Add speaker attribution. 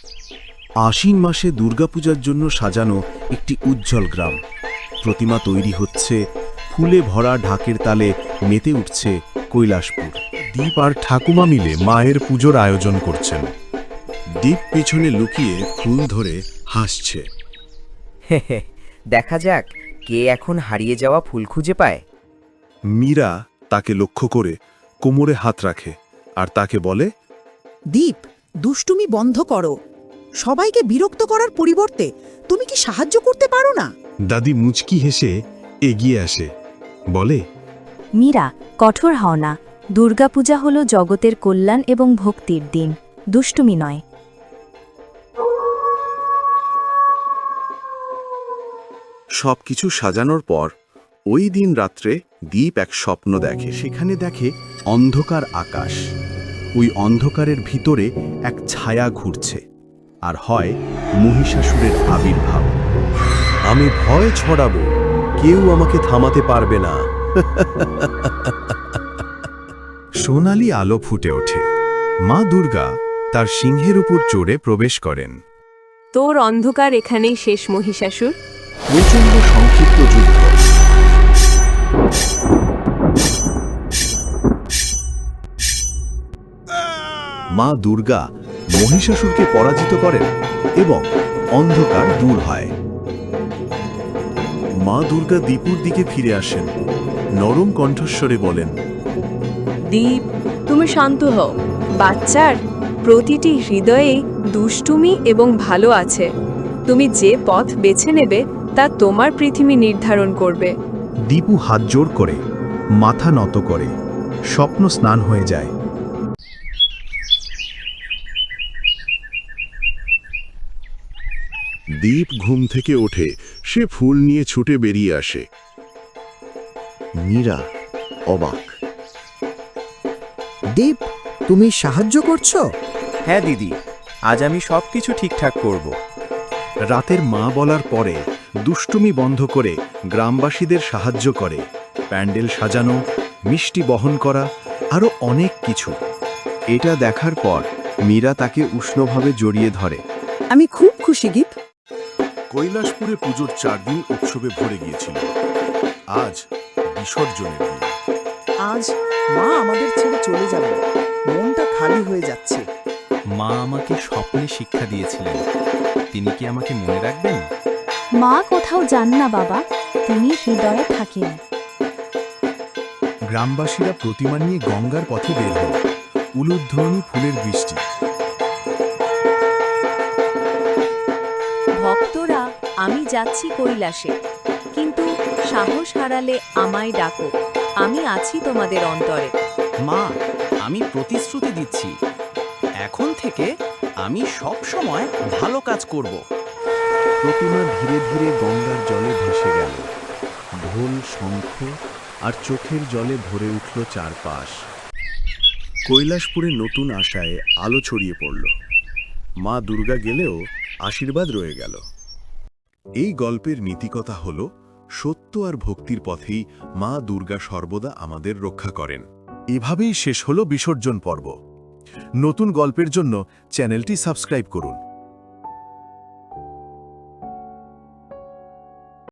Speaker 1: আশ্বিন মাসে দুর্গাপূজার জন্য সাজানো একটি উজ্জ্বল গ্রাম। প্রতিমা তৈরি হচ্ছে, ফুলে ভরা ঢাকের তালে মেতে উঠছে কৈলাসপুর।
Speaker 2: দীপ আর ঠাকুমা মিলে মায়ের পুজোর আয়োজন করছেন।
Speaker 1: দীপ পিছনে লুকিয়ে ফুল ধরে হাসছে।
Speaker 3: দেখা যাক কে এখন হারিয়ে যাওয়া ফুল খুঁজে পায়।
Speaker 2: মীরা তাকে লক্ষ্য করে কোমরে হাত রাখে আর তাকে বলে,
Speaker 4: দীপ, দুষ্টুমি বন্ধ করো। সবাইকে বিরক্ত করার পরিবর্তে তুমি কি সাহায্য করতে পারো না?
Speaker 2: দাদি মুচকি হেসে এগিয়ে আসে, বলে,
Speaker 5: মীরা, কঠোর হও না। দুর্গাপূজা হল জগতের কল্যাণ এবং ভক্তির দিন, দুষ্টুমি নয়।
Speaker 1: সবকিছু সাজানোর পর ওই দিন রাত্রে দীপ এক স্বপ্ন দেখে। সেখানে দেখে অন্ধকার আকাশ। ওই অন্ধকারের ভিতরে এক ছায়া ঘুরছে, আর হয় মহিষাসুরের আবির্ভাব।
Speaker 2: আমি ভয় ছড়াবো, কেউ আমাকে থামাতে পারবে না। সোনালি আলো ফুটে ওঠে। মা দুর্গা তার সিংহের উপর চড়ে প্রবেশ করেন।
Speaker 6: তোর অন্ধকার এখানেই শেষ, মহিষাসুর।
Speaker 1: প্রচণ্ড সংক্ষিপ্ত যুদ্ধ। মা দুর্গা মহিষাসুরকে পরাজিত করেন এবং অন্ধকার দূর হয়। মা দুর্গা দীপুর দিকে ফিরে আসেন, নরম কণ্ঠস্বরে বলেন,
Speaker 6: দীপ, তুমি শান্ত হও। বাচ্চার প্রতিটি হৃদয়ে দুষ্টুমি এবং ভালো আছে। তুমি যে পথ বেছে নেবে তা তোমার পৃথিবী নির্ধারণ করবে।
Speaker 2: দীপু হাত জোর করে মাথা নত করে, স্বপ্ন স্নান হয়ে যায়।
Speaker 1: দীপ ঘুম থেকে ওঠে, সে ফুল নিয়ে ছুটে বেরিয়ে আসে। মীরা অবাক।
Speaker 4: দীপ, তুমি সাহায্য করছো?
Speaker 3: হ্যাঁ দিদি, আজ আমি সবকিছু ঠিকঠাক করব।
Speaker 2: রাতের মা বলার পরে দুষ্টুমি বন্ধ করে গ্রামবাসীদের সাহায্য করে। প্যান্ডেল সাজানো, মিষ্টি বহন করা, আরও অনেক কিছু।
Speaker 1: এটা দেখার পর মীরা তাকে উষ্ণভাবে জড়িয়ে ধরে।
Speaker 4: আমি খুব খুশি দীপ।
Speaker 2: কৈলাসপুরে পুজোর 4 দিন উৎসবে ভরে গিয়েছিল। আজ বিসর্জনের দিন।
Speaker 4: আজ মা আমাদের ছেড়ে চলে যাবে, মনটা খালি হয়ে যাচ্ছে।
Speaker 7: মা আমাকে স্বপ্নে শিক্ষা দিয়েছিলেন, তিনি কি আমাকে মনে রাখবেন?
Speaker 5: মা কোথাও যান না বাবা, তিনি হৃদয়ে থাকেন।
Speaker 2: গ্রামবাসীরা প্রতিমা নিয়ে গঙ্গার পথে বের হল। উলুধ্বনি, ফুলের বৃষ্টি।
Speaker 6: ভক্তরা, আমি যাচ্ছি কৈলাসে, কিন্তু সাহস হারালে আমায় ডাকো। আমি আছি তোমাদের অন্তরে।
Speaker 7: মা, আমি প্রতিশ্রুতি দিচ্ছি, এখন থেকে আমি সব সময় ভালো কাজ করব।
Speaker 1: প্রতিমা ধীরে ধীরে গঙ্গার জলে ভেসে গেল। ঢোল, শঙ্খ আর চোখের জলে ভরে উঠল চারপাশ। কৈলাসপুরে নতুন আশায় আলো ছড়িয়ে পড়ল। মা দুর্গা গেলেও আশীর্বাদ রয়ে গেল। এই গল্পের নীতিকথা হল, সত্য আর ভক্তির পথেই মা দুর্গা সর্বদা আমাদের রক্ষা করেন।
Speaker 2: এভাবেই শেষ হলো বিসর্জন পর্ব। নতুন গল্পের জন্য চ্যানেলটি সাবস্ক্রাইব করুন।